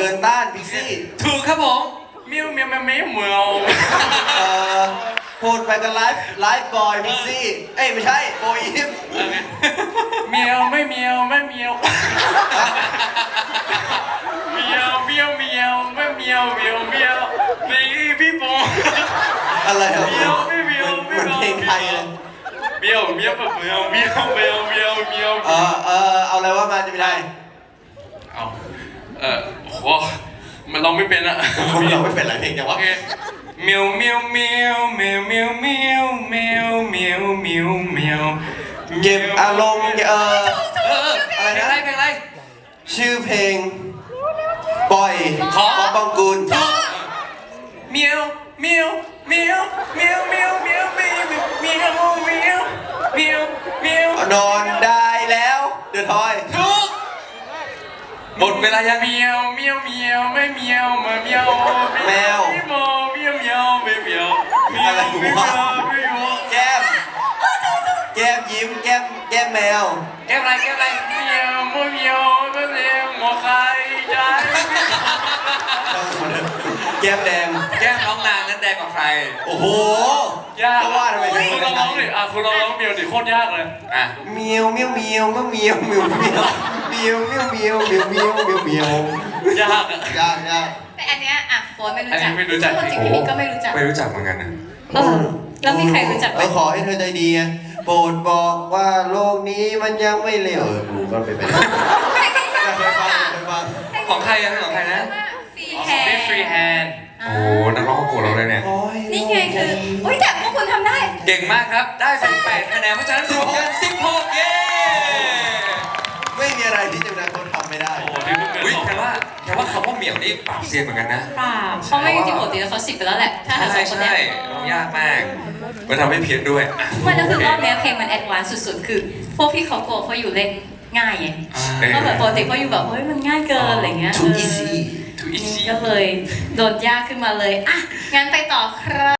เดินต้านพิกซี่ถูกครับผมเมียวเมียวเมียวเมียวเมียวพูดไปกันไลฟ์บอยพิกซี่ เอ้ยไม่ใช่โบอีฟเมียวไม่เมียวไม่เมียวเมียวเมียวเมียวไม่เมียวเมียวเมียวพี่โบอะไรครับเมียวไม่เมียวเหไม่มือนเพลงไทยเลยเมียวเมียวแบบเมียวเมียวเมียวเมียวเมียวเอาอะไรว่ามาจะไม่ได้เอาโหมันเราไม่เป็นอะเราไม่เป็นไรเพลงจังโอวะเคเมียวเมียวเมียวเมียวเมียวเมียวเมียวเมียวเมียวเมียวเก็บอารมณ์อะไรเพลงนะอะไรเพลงอะไรชื่อเพลง ปล่อยขอบองกูลเมียวเมียวเมียวเมียวเมียวเมียวเมียวเมียวเมียวเมียวเมียวนอนได้แล้วเดือดทอยถูกหมดเวลายังเมียวเมียวเมียวไม่เมียวมาเมียวเมียวเมียวเมียวไม่เมียวเมียวไม่เมียวไม่เมียวแก้มยิ้มแก้มแมวแก้มอะไรแก้มอะไรเมียวไม่เมียวไม่เมียวหมอใครใจแก้มแดงแก้มน้องนางนั้นแดงกว่าใครโอ้โหยากก็ว่าทำไมเพลงคุณลองร้องดิคุณลองร้องเมียวดิโคตรยากเลยอ่ะเมียวเมียวเมียวเมียวเมียวเมียวเมียวเมียวเมียวเมียวเมียวเมียวเมียวยากอะยากแต่อันเนี้ยอ่ะโฟนไม่รู้อันจันี้กไม่รู้จักปกติพี่นิกก็ไม่รู้จักไม่รู้จักเหมือนกันนะแล้วมีใครรู้จักไหมขอให้เธอใจดีไงโปรดบอกว่าโลกนี้มันยังไม่เลวกูก็ไปเป็น เคยฟังของใครอะของใครนะฟรีอ๋อแฮเป็นนฟรีแฮนด์โอ้นักร้องของโปรดเราเลยเนี่ยนี่ไงคืออุ้ยแต่พวกคุณทำได้เก่งมากครับ ได้18คะแนน เพราะฉะนั้นรวมกัน16 เย้ไม่มีอะไรที่จะนายคนทำไม่ได้โอ้นี่เพิ่งเป็นอุ้ยของแต่ว่าคำว่าเหมียวนี่ปราบเซียนเหมือนกันนะเปล่าเขาไม่จริงๆปกติแล้วเขา10ไปแล้วแหละ ถ้าหาใช่สองคนใช่เนี้ยยากมากมันทำให้เพี้ยนด้วยอ่ะไม่แล้วคือรอบเนี้ยเพลงมันแอดวานซ์สุดๆ คือ พวกพี่เขากลัวเขาอยู่เล่นง่ายไงเออก็แบบปกติเขาอยู่แบบเฮ้ยมันง่ายเกินอะไรเงี้ย too easy ทูอีซี่ก็เลยโดนยากขึ้นมาเลย อ่ะ งั้นไปต่อครับ